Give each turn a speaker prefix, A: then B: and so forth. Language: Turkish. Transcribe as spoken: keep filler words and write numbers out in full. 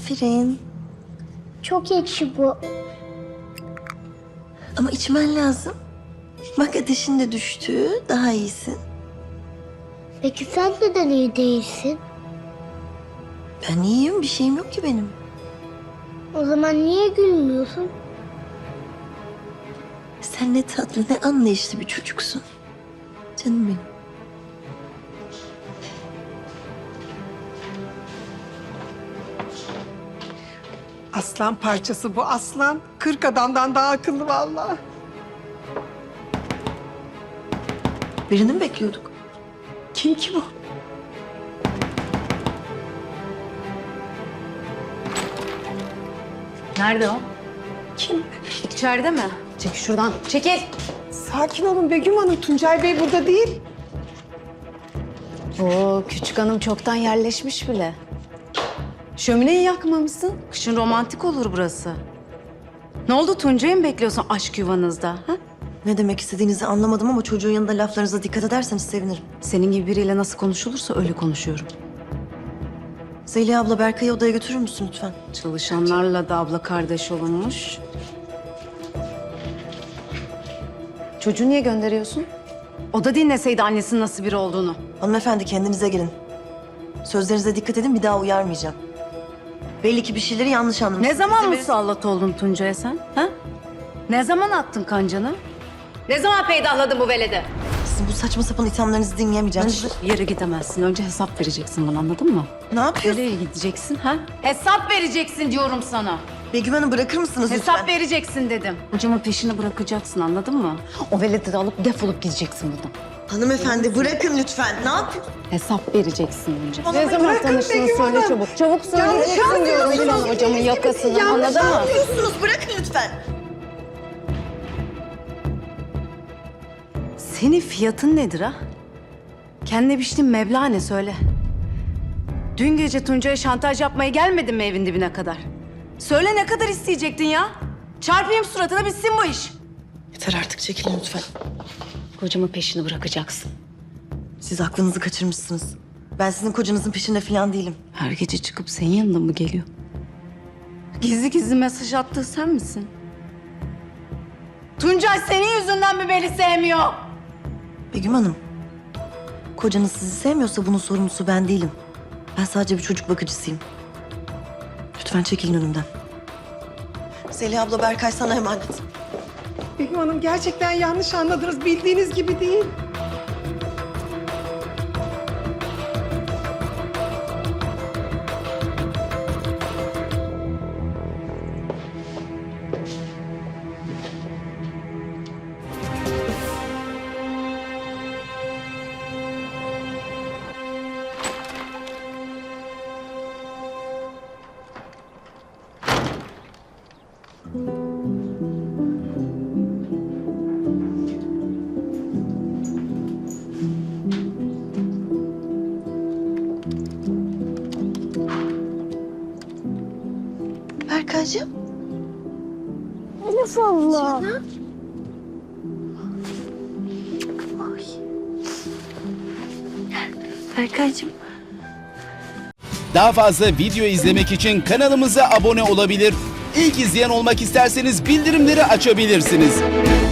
A: Aferin.
B: Çok ekşi bu.
A: Ama içmen lazım. Bak ateşin de düştü. Daha iyisin.
B: Peki sen neden iyi değilsin?
A: Ben iyiyim. Bir şeyim yok ki benim.
B: O zaman niye gülmüyorsun?
A: Sen ne tatlı ne anlayışlı bir çocuksun. Canım benim.
C: Aslan parçası bu aslan. Kırk adamdan daha akıllı vallahi.
A: Birini mi bekliyorduk?
C: Kim ki bu?
D: Nerede o?
C: Kim?
D: İçeride mi? Çekil şuradan. Çekil.
C: Sakin olun Begüm Hanım. Tuncay Bey burada değil.
D: Oo, küçük hanım çoktan yerleşmiş bile. Şömineyi yakmamışsın. Kışın romantik olur burası. Ne oldu, Tuncay'ı mı bekliyorsun aşk yuvanızda? Ha?
A: Ne demek istediğinizi anlamadım ama çocuğun yanında laflarınıza dikkat ederseniz sevinirim.
D: Senin gibi biriyle nasıl konuşulursa öyle konuşuyorum.
A: Zeliha abla Berkay'ı odaya götürür müsün lütfen?
D: Çalışanlarla da abla kardeş olunmuş. Çocuğu niye gönderiyorsun? O da dinleseydi annesinin nasıl biri olduğunu.
A: Hanımefendi kendinize gelin. Sözlerinize dikkat edin bir daha uyarmayacağım. Belli ki bir şeyleri yanlış anlamışsınız.
D: Ne zaman
A: Bize bir-
D: musallat oldun Tuncay'a sen? Ha? Ne zaman attın kancanı? Ne zaman peydahladın bu veledi?
A: Sizin bu saçma sapan ithamlarınızı dinleyemeyeceğim.
D: Bir yere gidemezsin. Önce hesap vereceksin bana, anladın mı?
A: Ne yapıyorsun?
D: Nereye gideceksin ha? Hesap vereceksin diyorum sana.
A: Begüm Hanım bırakır mısınız
D: Hesap
A: lütfen?
D: vereceksin dedim. Hocamın peşini bırakacaksın, anladın mı? O veledi de alıp defolup gideceksin buradan.
A: Hanımefendi bırakın lütfen. Ne yapıyorsun?
D: Hesap vereceksin önce.
A: Bana
D: Ne zaman
C: bırakın
D: tanıştığını
C: Begüm
D: söyle
C: Hanım.
D: çabuk. Çabuk
C: Yanlış
D: söyleyeceksin diyorum
C: anlıyorsunuz.
D: Elin hocamın yakasını,
C: Yanlış
D: anladın mı?
A: Yapıyorsunuz bırakın lütfen.
D: Senin fiyatın nedir ha? Kendine biçtiğin meblağ ne söyle. Dün gece Tuncay'a şantaj yapmaya gelmedin mi evin dibine kadar? Söyle, ne kadar isteyecektin ya? Çarpayım suratına, bitsin bu iş.
A: Yeter artık çekilin lütfen.
D: Kocamın peşini bırakacaksın.
A: Siz aklınızı kaçırmışsınız. Ben sizin kocanızın peşinde falan değilim.
D: Her gece çıkıp senin yanına mı geliyor? Gizli gizli mesaj attığı sen misin? Tuncay senin yüzünden mi beni sevmiyor?
A: Begüm Hanım, kocanız sizi sevmiyorsa bunun sorumlusu ben değilim. Ben sadece bir çocuk bakıcısıyım. Lütfen çekilin önümden. Zeliha abla Berkay sana emanet.
C: Begüm Hanım gerçekten yanlış anladınız. Bildiğiniz gibi değil.
A: Berkaycığım.
B: Elif abla.
A: Berkaycığım.
E: Daha fazla video izlemek için kanalımıza abone olabilir. İlk izleyen olmak isterseniz bildirimleri açabilirsiniz.